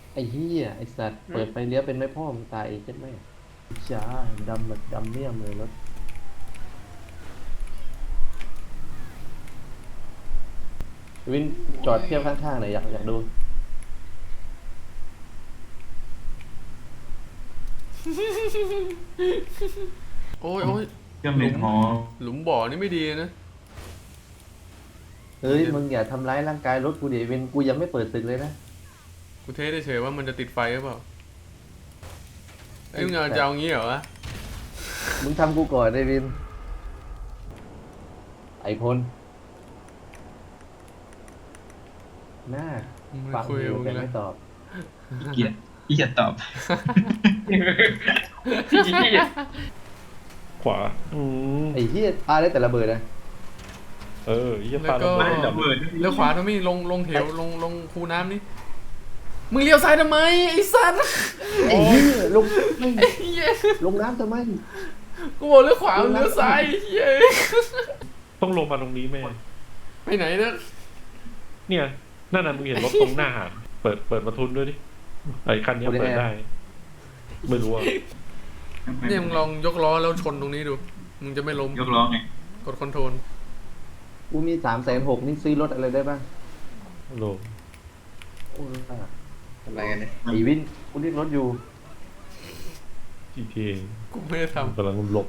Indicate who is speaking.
Speaker 1: ไอ้เหี้ยไอ้สัตว์เปิดไฟเลี้ยวเป็นไม่พ่อมึงตายใช่ไหมจ้าดำแบบดำเมี่ยมเลยรถวินจอดเทียบข้างๆหน่อยอยากดู
Speaker 2: โอ้ยโอ้ย
Speaker 3: เครื่อง
Speaker 2: หลุม
Speaker 3: บินหอ
Speaker 2: หลุมบ่อนี่ไม่ดีนะ
Speaker 1: เฮ้ยมึงอย่าทำร้ายร่างกายรถกูดิวินกูยังไม่เปิดศึกเลยนะ
Speaker 2: กูเทสเฉยๆว่ามันจะติดไฟหรือเปล่าไอ้ยมึงเอา
Speaker 1: แต่
Speaker 2: จะเอางี้เหรอวะ
Speaker 1: มึงทำกูก่อนไอ้วินไอ้พลหน้า
Speaker 2: มึงไม่
Speaker 1: ฟัง
Speaker 2: คุย
Speaker 1: อยู่
Speaker 2: กับมึงแล้ว
Speaker 1: แต่ไม่ตอบ
Speaker 3: ขี้เกียจตอบ
Speaker 4: ขวา
Speaker 1: ไอ้เหี้ยปาได้แต่ระเบิดนะ
Speaker 4: เออยี่
Speaker 2: แล้ว
Speaker 4: ปลา
Speaker 2: ก็
Speaker 4: ระเบิด
Speaker 3: ระเบิด
Speaker 2: เลี้ยวขวาทำไมลงเหวลงคูน้ำนี่มึงเลี้ยวซ้ายทำไมไอ้สัตว์
Speaker 1: ไอ้เหี้ยลงไม่
Speaker 2: ไอ้เหี้ย
Speaker 1: ลงน้ำทำไม
Speaker 2: กูบอกเลี้ยวขวามึงเลี้ยวซ้ายไอ้เหี้ย
Speaker 4: ต้องลงมาตรงนี้แม่
Speaker 2: ไปไหนนะ
Speaker 4: เนี่ยนั่นน่ะมึงเห็นรถตรงหน้าหาดเปิดประทุนด้วยดิไอ้คันเนี้ยเปิดได้ ไม่รู้อ่ะ
Speaker 2: เนี่ยมึงลองยกล้อแล้วชนตรงนี้ดูมึงจะไม่ล้ม
Speaker 3: ยกล้อไง
Speaker 2: กดคอนโทรล
Speaker 1: กูมี360,000นี่ซื้อรถอะไรได้บ้าง
Speaker 4: โล
Speaker 1: โอ้ย
Speaker 5: อะไรกันเนี่ย
Speaker 1: ไอ้วินกูเรียกรถอยู่
Speaker 4: จีเท
Speaker 2: กูไม่ได้ทำ
Speaker 4: กำลังหลบ